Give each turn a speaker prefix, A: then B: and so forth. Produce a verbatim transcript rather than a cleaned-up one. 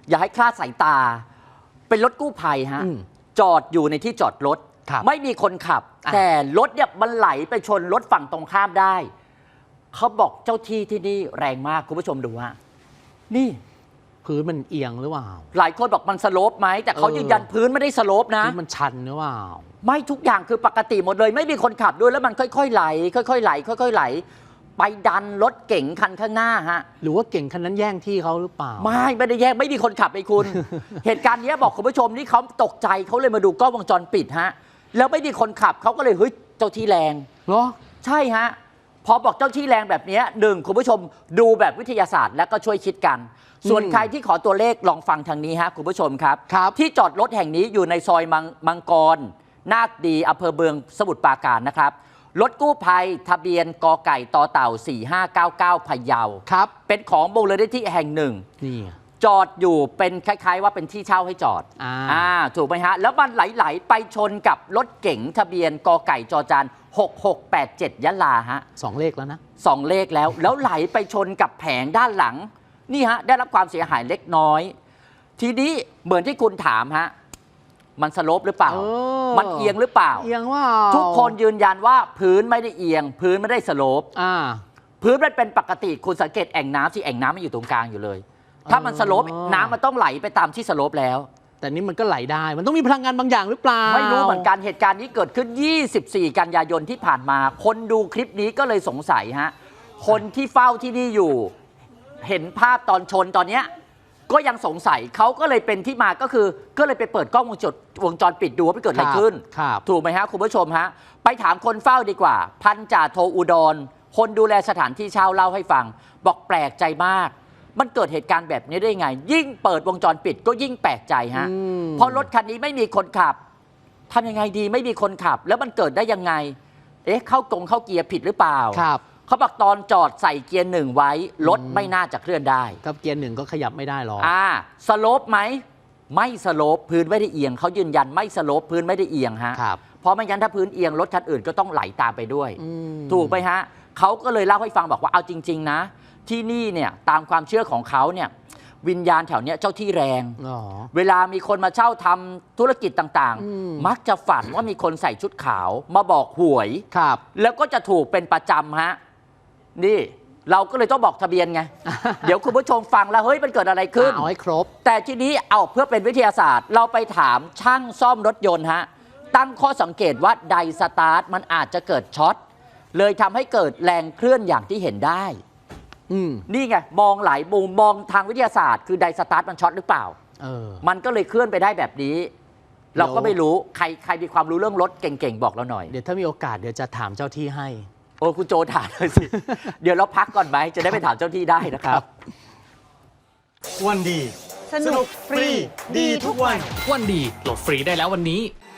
A: อย่าให้คลาดสายตาเป็นรถกู้ภัยฮะจอดอยู่ในที่จอดรถไม่มีคนขับแต่รถเนี่ยมันไหลไปชนรถฝั่งตรงข้ามได้เขาบอกเจ้าที่ที่นี่แรงมากคุณผู้ชมดูฮะนี่
B: พื้นมันเอียงหรือเปล่า
A: หลายคนบอกมันสโลปไหมแต่เขายืนยันพื้นไม่ได้สโลปนะ
B: มันชันหรือเปล่า
A: ไม่ทุกอย่างคือปกติหมดเลยไม่มีคนขับด้วยแล้วมันค่อยๆไหลค่อยๆไหลค่อยๆไหลไปดันรถเก๋งคันข้างหน้าฮะ
B: หรือว่าเก๋งคันนั้นแย่งที่เขาหรือเปล่า
A: ไม่ไม่ได้แย่งไม่มีคนขับไอ้คุณ เหตุการณ์นี้บอกคุณผู้ชมนี่เขาตกใจเขาเลยมาดูกล้องวงจรปิดฮะแล้วไม่มีคนขับเขาก็เลยเฮ้ยเจ้าที่แรง
B: เหรอ
A: ใช่ฮะพอบอกเจ้าที่แรงแบบนี้หนึ่งคุณผู้ชมดูแบบวิทยาศาสตร์แล้วก็ช่วยคิดกันส่วนใครที่ขอตัวเลขลองฟังทางนี้ฮะคุณผู้ชมครับที่จอดรถแห่งนี้อยู่ในซอยมังมังกรนาคดีอำเภอเมืองสมุทรปราการนะครับรถกู้ภัยทะเบียนกไก่ต่อเต่าสี่ห้าเก้าเก้าพะเยา
B: ครับ
A: เป็นของมูลนิธิแห่งหนึ่ง
B: นี่
A: จอดอยู่เป็นคล้ายๆว่าเป็นที่เช่าให้จอด
B: อ่า
A: อ่าถูกไหมฮะแล้วมันไหลๆไปชนกับรถเก๋งทะเบียนกไก่จอจานหกหกแปดเจ็ดยะลาฮะ
B: สองเลขแล้วนะ
A: สองเลขแล้วแล้วไหลไปชนกับแผงด้านหลังนี่ฮะได้รับความเสียหายเล็กน้อยทีนี้เหมือนที่คุณถามฮะมันสโลปหรือเปล่ามันเอียงหรือเปล่า
B: เอียงว่า
A: ทุกคนยืนยันว่าพื้นไม่ได้เอียงพื้นไม่ได้สโลป
B: อ่า
A: พื้นมันเป็นปกติคุณสังเกตแอ่งน้ำสิแอ่งน้ำมันอยู่ตรงกลางอยู่เลยถ้ามันสโลปน้ำมันต้องไหลไปตามที่สโลปแล้ว
B: แต่นี่มันก็ไหลได้มันต้องมีพลังงานบางอย่างหรือเปล่า
A: ไม่รู้เหมือนกันเหตุการณ์นี้เกิดขึ้นยี่สิบสี่กันยายนที่ผ่านมาคนดูคลิปนี้ก็เลยสงสัยฮะคนที่เฝ้าที่นี่อยู่เห็นภาพตอนชนตอนเนี้ยก็ยังสงสัยเขาก็เลยเป็นที่มาก็คือก็เลยไปเปิดกล้องวงจรวงจรปิดดูว่าเกิดอะไรขึ้นถูกไหมฮะคุณผู้ชมฮะไปถามคนเฝ้าดีกว่าพันจ่าโทอุดรคนดูแลสถานที่เช่าเล่าให้ฟังบอกแปลกใจมากมันเกิดเหตุการณ์แบบนี้ได้ไงยิ่งเปิดวงจรปิดก็ยิ่งแปลกใจฮะเพราะรถคันนี้ไม่มีคนขับทำยังไงดีไม่มีคนขับแล้วมันเกิดได้ยังไงเอ๊ะเข้ากงเข้าเกียร์ผิดหรือเปล่า
B: ครับ
A: เขาบอกตอนจอดใส่เกียร์หนึ่งไว้รถไม่น่าจะเคลื่อนได้
B: กับเกียร์หนึ่งก็ขยับไม่ได้หรอก
A: อ่าสโลปไหมไม่สโลปพื้นไม่ได้เอียงเขายืนยันไม่สโลปพื้นไม่ได้เอียงฮะเพราะไม่งั้นถ้าพื้นเอียงรถคันอื่นก็ต้องไหลตามไปด้วยถูกไหมฮะเขาก็เลยเล่าให้ฟังบอกว่าเอาจริงๆนะที่นี่เนี่ยตามความเชื่อของเขาเนี่ยวิญญาณแถวเนี้ยเจ้าที่แรงเวลามีคนมาเช่าทำธุรกิจต่างๆมักจะฝันว่ามีคนใส่ชุดขาวมาบอกหวยแล้วก็จะถูกเป็นประจำฮะนี่เราก็เลยต้องบอกทะเบียนไง เดี๋ยวคุณผู้ชมฟังแล้วเฮ้ยมันเกิดอะไรขึ้น
B: เอาให้ครบ
A: แต่ทีนี้เอาเพื่อเป็นวิทยาศาสตร์เราไปถามช่างซ่อมรถยนต์ฮะตั้งข้อสังเกตว่าไดสตาร์ทมันอาจจะเกิดช็อตเลยทำให้เกิดแรงเคลื่อนอย่างที่เห็นได้นี่ไงมองหลายมุมมองทางวิทยาศาสตร์คือไดสตาร์ทมันช็อตหรือเปล่า
B: เออ
A: มันก็เลยเคลื่อนไปได้แบบนี้เราก็ไม่รู้ใครใครมีความรู้เรื่องรถเก่งๆบอกเราหน่อย
B: เดี๋ยวถ้ามีโอกาสเดี๋ยวจะถามเจ้าที่ให้
A: โอ้คุณโจถามเลยสิเดี๋ยวเราพักก่อนไหมจะได้ไปถามเจ้าที่ได้นะครับ
C: วันดีสนุกฟรีดีทุกวัน
D: วันดีโหลดฟรีได้แล้ววันนี้